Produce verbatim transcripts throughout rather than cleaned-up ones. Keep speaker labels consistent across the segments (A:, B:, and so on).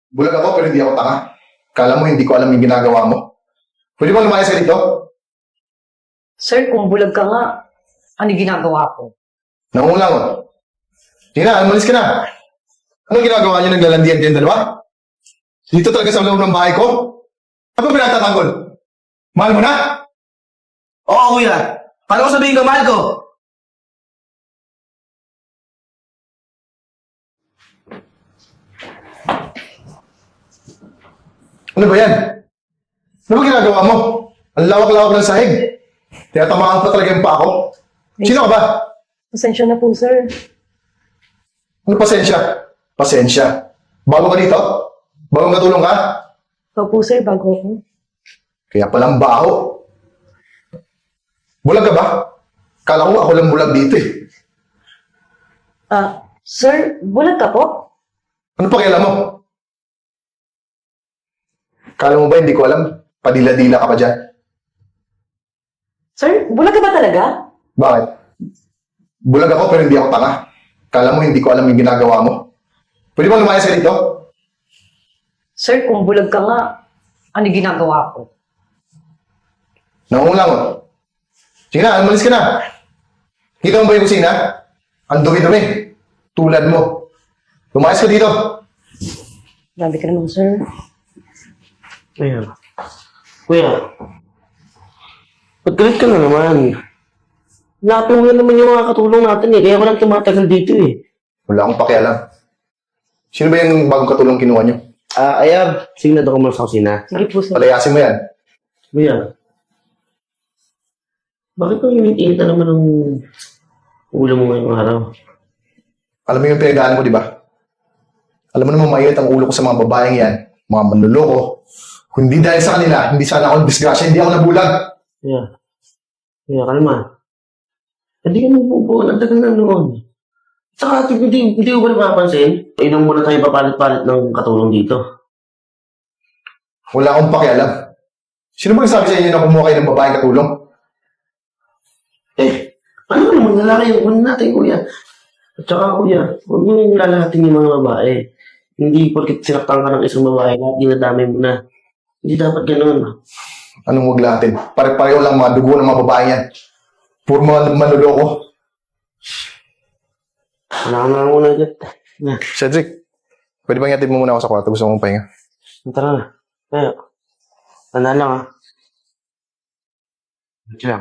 A: Bulag ako pero hindi ako tanga. Kala mo hindi ko alam yung ginagawa mo? Pwede ba lumayas ka dito?
B: Sir, kung bulag ka nga, ano ginagawa ko?
A: Nangungulang ko. Sige na, umalis ka na. Anong ginagawa niyo naglalandian din dalawa? Dito talaga sa loob ng bahay ko? Ano pinatatanggol? Mahal mo na?
C: Oo, kuya. Paano ko sabihin ko, mahal ko?
A: Ano ba yan? Ano ba ginagawa mo? Ang lawak-lawak ng sahig. Tinatamaan pa talaga yung pa ako. Sino ka ba?
B: Pasensya na po, sir.
A: Ano pasensya? Pasensya. Bago ka dito? Bagong katulong ka?
B: Ikaw po, sir, bago ako.
A: Kaya palang baho. Bulag ka ba? Kala ko ako lang bulag dito eh.
B: Ah, sir, bulag ka po?
A: Ano pakialam mo? Kala mo ba hindi ko alam? Padila-dila ka pa dyan.
B: Sir, bulag ka ba talaga?
A: Bakit? Bulag ako pero hindi ako tanga. Kala mo hindi ko alam yung ginagawa mo? Pwede ba lumayas ka dito?
B: Sir, kung bulag ka nga, ano ginagawa ko?
A: Nangungulang ko. Sige na, umalis ka na. Kita mo ba yung kusina? Ang dumi-dumi. Tulad mo. Lumayas ka dito.
B: Grabe ka naman, sir.
C: Kuya. Kuya. Pagkalit ka na naman. Lapin mo na naman yung mga katulong natin eh. Kaya ako lang tumatagal dito eh.
A: Wala akong pakialam. Sino ba yung bagong katulong kinuha niyo?
C: Ah, Ayab. Sige na daw ko muna sa kusina.
B: Sige po, sir.
A: Palayasin mo yan.
C: Kuya. Bakit ang init-init na naman ang ulo mo ngayong araw?
A: Alam mo yung pinagdaan ko, di ba? Alam mo naman mainit ang ulo ko sa mga babaeng yan. Mga manluloko. Kung hindi dahil sa kanila, hindi sana ako disgrasya, hindi ako nabulag.
C: Kuya. Kuya, kalma. Hindi ka nabubuo. Ang tagal na noon. Saka, hindi, hindi ko ba napapansin? Inom muna tayo papalit-palit ng katulong dito.
A: Wala akong pakialam. Sino ba nagsabi sa inyo na kumuha kayo ng babaeng katulong?
C: Eh, ano naman lalaki yung una natin, kuya? At saka, kuya, huwag mo yung lalahatin yung mga babae. Hindi porkit sinaktan ka ng isang babae, lahat dinadamay mo na. Hindi dapat ganun.
A: Anong wag natin? Pare-pareho lang mga dugo ng mga babae yan. Puro mga manluloko.
C: Wala ka na lang muna agad. Na,
A: Cedric, pwede bang yatid mo muna ako sa kwarto? Gusto mong pahinga.
C: tara na. Kaya, tanda lang ha. Ito lang.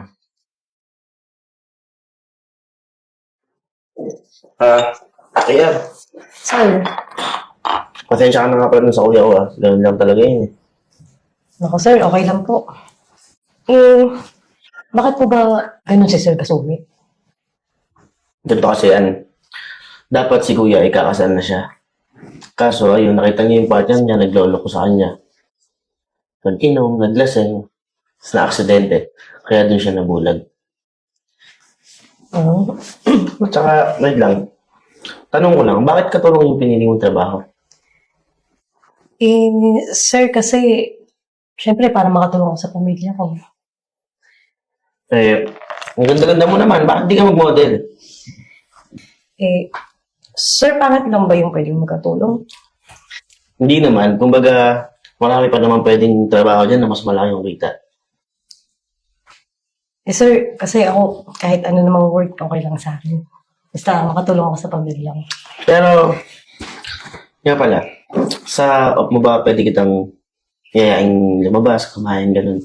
C: Ah, kaya,
B: Sir,
C: pasensya ka na nga pala dun sa kuya ko ah. Ganun lang talaga yun eh.
B: naku, sir, okay lang po. Eh, bakit po ba ganun si Sir Kasumi?
C: Ganito kasi yan. Dapat si kuya ay kakasal na siya. Kaso ayun, nakita niya yung partner niya, naglolo ko sa kanya. Nag-inom, naglaseng, tapos na-aksidente. Kaya dun siya nabulag.
B: Oo.
C: At saka, wait lang. Tanong ko lang, bakit katulong yung pinili mong trabaho?
B: Eh, sir, kasi, syempre, para makatulong ako sa pamilya ko.
C: Eh, ang ganda-ganda mo naman, bakit di ka mag-model?
B: Eh, sir, pangit lang ba yung pwedeng magkatulong?
C: Hindi naman, kumbaga, marami pa naman pwedeng trabaho dyan na mas malaki yung kita.
B: Eh, sir, kasi ako, kahit ano namang work, okay lang sa akin. Basta makatulong ako sa pamilya ko.
C: Pero, nga pala, sa off mo ba pwede kitang yayain lumabas, kumain, ganun?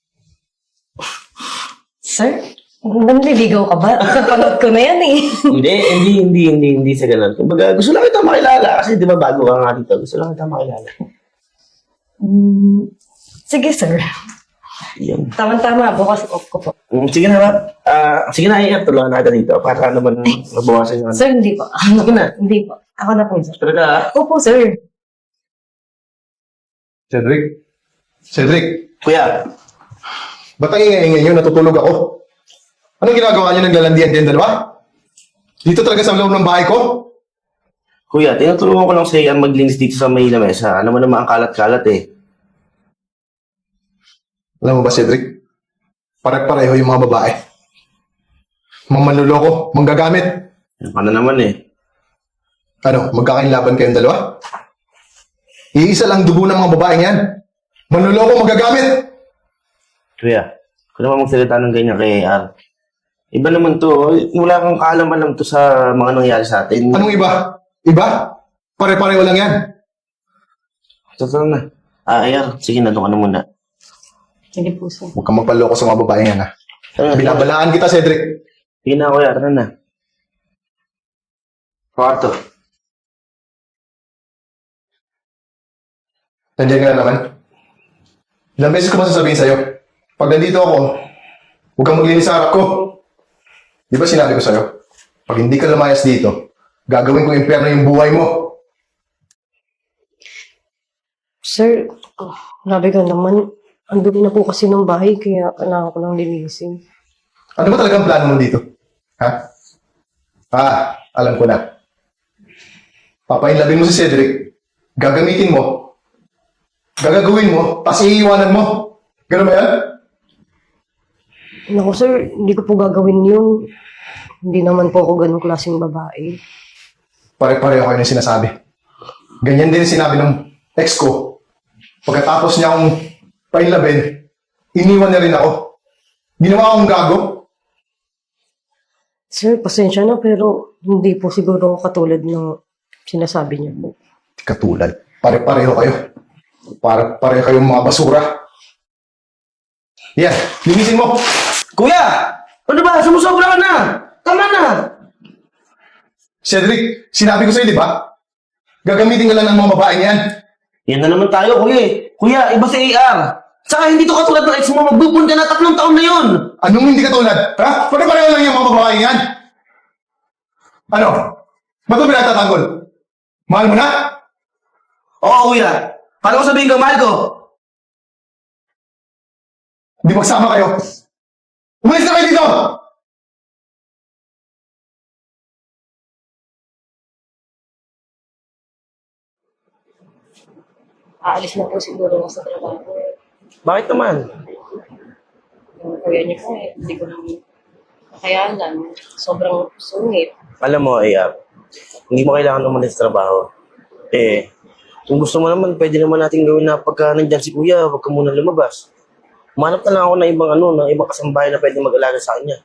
B: Sir, nanliligaw ka ba? Napanood ko na yan eh.
C: hindi, hindi, hindi, hindi, hindi sa ganun. Kumbaga, gusto lang kita makilala kasi di ba bago ka nga dito, gusto lang kita makilala.
B: Mm, sige, sir.
C: Yun.
B: Tama-tama, bukas off ko po.
C: Mm, Sige na ba? Ah, sige na, iyan, tulungan natin dito para naman mabawasan yung ano.
B: Sir, hindi po.
C: Sige na.
B: Hindi po. Ako na po, sir.
C: Talaga, ah.
B: Opo, sir.
A: Cedric? Cedric,
C: Kuya,
A: ba't ang ingay-ingay nyo? Natutulog ako. Anong ginagawa nyo naglalandian din dalawa? Dito talaga sa loob ng bahay ko?
C: kuya, tinutulungan ko lang sa iyan maglinis dito sa may lamesa. Ano mo naman ang kalat-kalat eh.
A: Alam mo ba, Cedric? Pare-pareho yung mga babae. Mga manluloko, manggagamit.
C: Ano naman eh.
A: Ano, magkakainlaban kayong dalawa? Iisa lang dugo ng mga babaeng yan. Manluloko magagamit.
C: Kuya, kung naman magsalita ng ganyan kay A R. Iba naman to. Wala kang kaalam-alam to sa mga nangyari sa atin.
A: Anong iba? Iba? Pare-pareho lang yan.
C: Totoo na. Ah, A R, sige na, doon ka na muna.
B: Hindi po, sir.
A: Huwag kang magpaloko sa mga babaeng yan, ha?
C: Tara na,
A: Binabalaan kita, Cedric.
C: sige na, kuya. Tara na. Kwarto.
A: Nandiyan ka na naman. Ilang beses ko masasabihin sa'yo, pag nandito ako, huwag kang maglinis sa harap ko. Di ba sinabi ko sa'yo, pag hindi ka lumayas dito, gagawin ko impyerno yung buhay mo.
B: Sir, oh, grabe ka naman. Ang dumi na po kasi ng bahay, kaya kailangan ko lang linisin.
A: Ano ba talagang plano mo dito? Ha? Ah, alam ko na. Papainlabin mo si Cedric, gagamitin mo, gagagawin mo, tapos iiwanan mo. Ganun ba yan?
B: Naku, sir, hindi ko po gagawin yun. Hindi naman po ako ganun klaseng babae.
A: Pare-pareho kayo ng sinasabi. Ganyan din ang sinabi ng ex ko. Pagkatapos niya akong painlabin, iniwan niya rin ako. Ginawa akong gago.
B: Sir, pasensya na pero hindi po siguro ako katulad ng sinasabi niyo po.
A: Katulad. Pare-pareho kayo. Pare-pareho kayong mga basura. Yan, linisin mo.
C: Kuya! Ano ba? Sumusobra ka na! Tama na!
A: Cedric, sinabi ko sa'yo, di ba? Gagamitin ka lang ng mga babaeng yan.
C: Yan na naman tayo, kuya eh. Kuya, iba si A R. Saka hindi to katulad ng ex mo. Magbubun ka na tatlong taon na yun.
A: Anong hindi katulad? Ha? Pare-pareho lang yung mga babaeng yan. Ano? Ba't mo pinatatanggol? Mahal mo na?
C: Oo, kuya. Paano ko sabihin ko, mahal ko?
A: Hindi magsama kayo. Umalis na kayo dito!
B: Aalis na po siguro ako sa trabaho.
C: Bakit naman?
B: Yung kuya niya po eh, hindi ko naman kakayanan. Sobrang sungit.
C: Alam mo, A R, hindi mo kailangan umalis sa trabaho. Eh, kung gusto mo naman, pwede naman natin gawin na pagka nandyan si kuya, huwag ka muna lumabas. Umanap na lang ako ng ibang ano, ng ibang kasambahay na pwede mag-alaga sa kanya.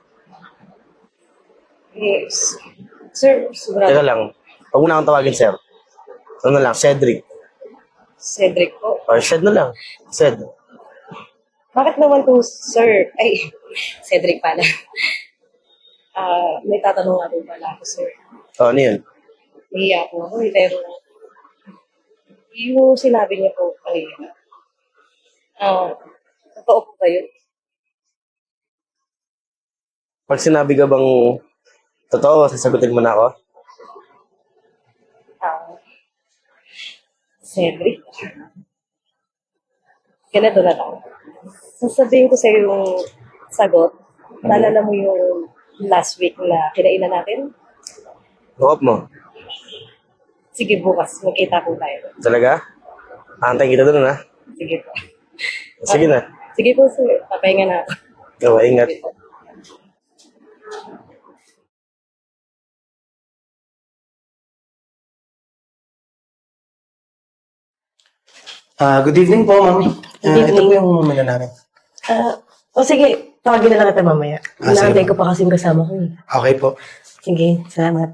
B: Yes. Sir, sigurado.
C: Teka lang, huwag mo na akong tawagin, sir. Ano na lang, Cedric.
B: Cedric po.
C: Or Shed na lang. Sed.
B: Bakit naman po, sir? Ay, Cedric pala. Ah, may tatanong nga rin pala ako, sir.
C: O, ano yun?
B: Nahiya po ako eh, pero yung sinabi niya po kanina, ah, totoo po ba yun?
C: Pag sinabi ka bang totoo, sasagutin mo na ako?
B: Ah, Cedric? Ganito na lang. Sasabihin ko sa'yo yung sagot. Naalala mo yung last week na kinainan natin?
C: Hope mo.
B: Sige, bukas. Magkita po tayo.
C: Talaga? Aantayin kita doon, ha?
B: Sige po.
C: Sige na.
B: Sige po, sir. Papahinga na ako.
C: Ikaw, ingat.
B: Sige po.
D: Ah, good evening po, ma'am. Ah,
B: Good
D: ito po
B: evening.
D: yung muna namin.
B: Ah, o sige, tawagin na lang kita mamaya.
D: Ah, sige
B: Inaantay
D: po.
B: ko pa kasing kasama ko eh.
D: Okay po.
B: Sige, salamat.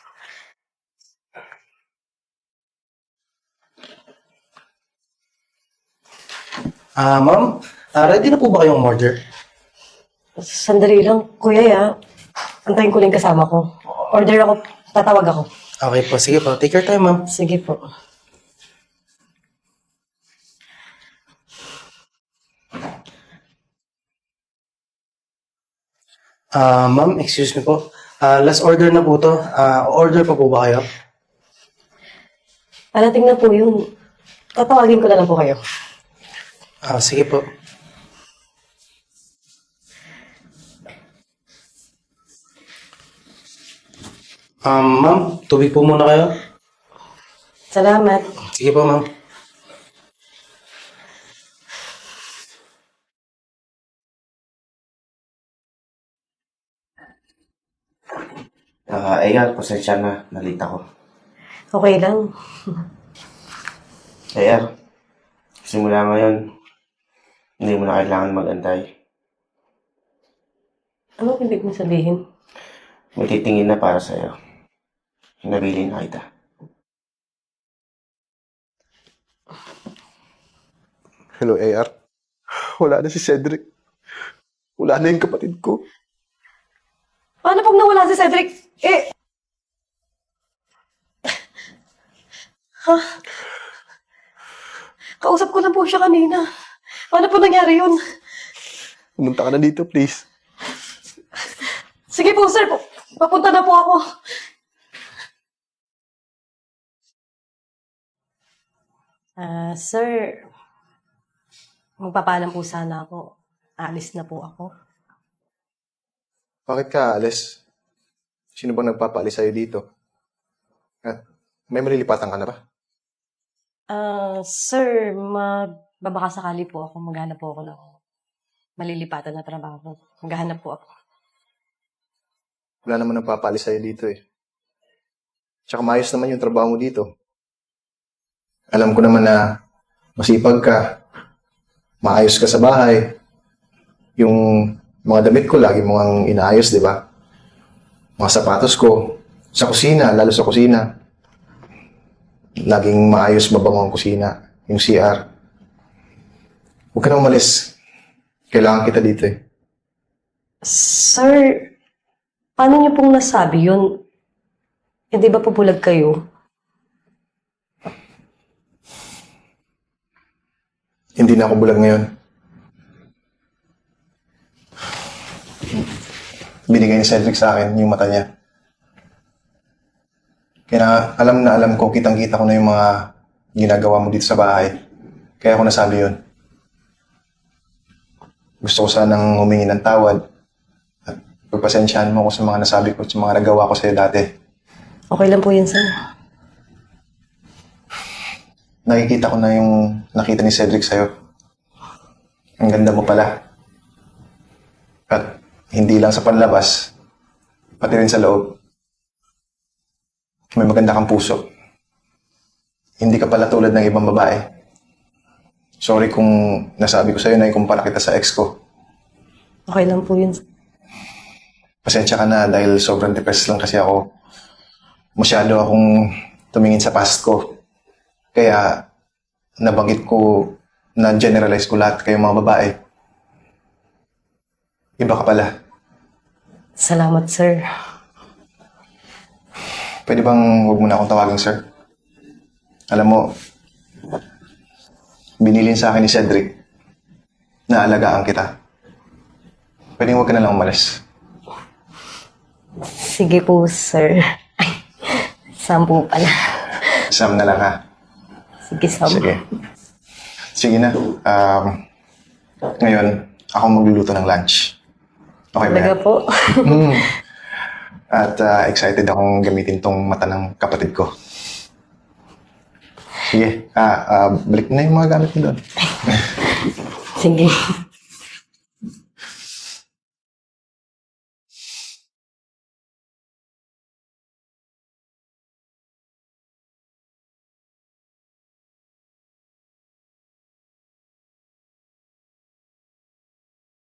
D: Ah, ma'am, ah, ready na po ba kayong order?
B: Sandali lang, kuya ya. Antayin ko lang yung kasama ko. Order ako, tatawag ako.
D: Okay po, sige po. Take your time, ma'am.
B: Sige po.
D: Ah, ma'am, excuse me po. Ah, last order na po to. Ah, order pa po ba kayo?
B: Alating na po yun. Tatawagin ko na lang po kayo.
D: Ah, sige po. Um, ma'am, tubig po muna kayo.
B: Salamat.
D: Sige po, ma'am.
C: Ah, uh, A R, pasensya na. Nalita ko.
B: Okay lang.
C: Kaya, simula ngayon, hindi mo na kailangan mag-antay.
B: Ano ibig mo sabihin?
C: May titingin na para sa'yo. Nabili na kita.
A: Hello, A R. Wala na si Cedric. Wala na yung kapatid ko.
B: Paano pag nawala si Cedric? Eh... Ha? Kausap ko lang po siya kanina. Paano po nangyari yun?
A: Pumunta ka na dito, please.
B: Sige po, sir. Papunta na po ako. Ah, sir. Magpapaalam po sana ako. Alis na po ako.
A: Bakit ka aalis? Sino bang nagpapaalis sa'yo dito? At may malilipatan ka na ba?
B: Ah, sir, magbabaka sakali po ako. Maghanap po ako ng malilipatan na trabaho. Maghahanap po ako.
A: Wala naman nagpapaalis sa'yo dito eh. Tsaka maayos naman yung trabaho mo dito. Alam ko naman na masipag ka, maayos ka sa bahay. Yung mga damit ko, lagi mo ang inaayos, di ba? Mga sapatos ko, sa kusina, lalo sa kusina. Laging maayos, mabango ang kusina, yung C R. Huwag ka na umalis. Kailangan kita dito eh.
B: Sir, paano niyo pong nasabi yun? Hindi ba pupulag kayo?
A: Hindi na ako bulag ngayon. Binigay ni Cedric sa akin yung mata niya. Kaya alam na alam ko, kitang-kita ko na yung mga ginagawa mo dito sa bahay. Kaya ako nasabi yun. Gusto ko sanang humingi ng tawad. At pagpasensyahan mo ko sa mga nasabi ko at sa mga nagawa ko sa'yo dati.
B: Okay lang po yun, sir.
A: Nakikita ko na yung nakita ni Cedric sa'yo. Ang ganda mo pala. At hindi lang sa panlabas, pati rin sa loob. May maganda kang puso. Hindi ka pala tulad ng ibang babae. Sorry kung nasabi ko sa'yo na ikumpara kita sa ex ko.
B: Okay lang po yun.
A: Pasensya ka na dahil sobrang depressed lang kasi ako. Masyado akong tumingin sa past ko. Kaya nabanggit ko, na-generalize ko lahat kayong mga babae. Iba ka pala.
B: Salamat, sir.
A: Pwede bang huwag mo na akong tawagin, sir? Alam mo, binilin sa akin ni Cedric na alagaan kita. Pwede huwag ka na lang umalis.
B: Sige po, sir. Ay, Sam po pala.
A: Sam na lang, ha?
B: Sige, Sam.
A: Sige. Sige na. Um, ngayon, ako magluluto ng lunch. Okay ba
B: Talaga
A: yan?
B: po.
A: Mm. At uh, excited akong gamitin tong mata ng kapatid ko. Sige. Ah, ah, balik na yung mga gamit mo doon.
B: Sige.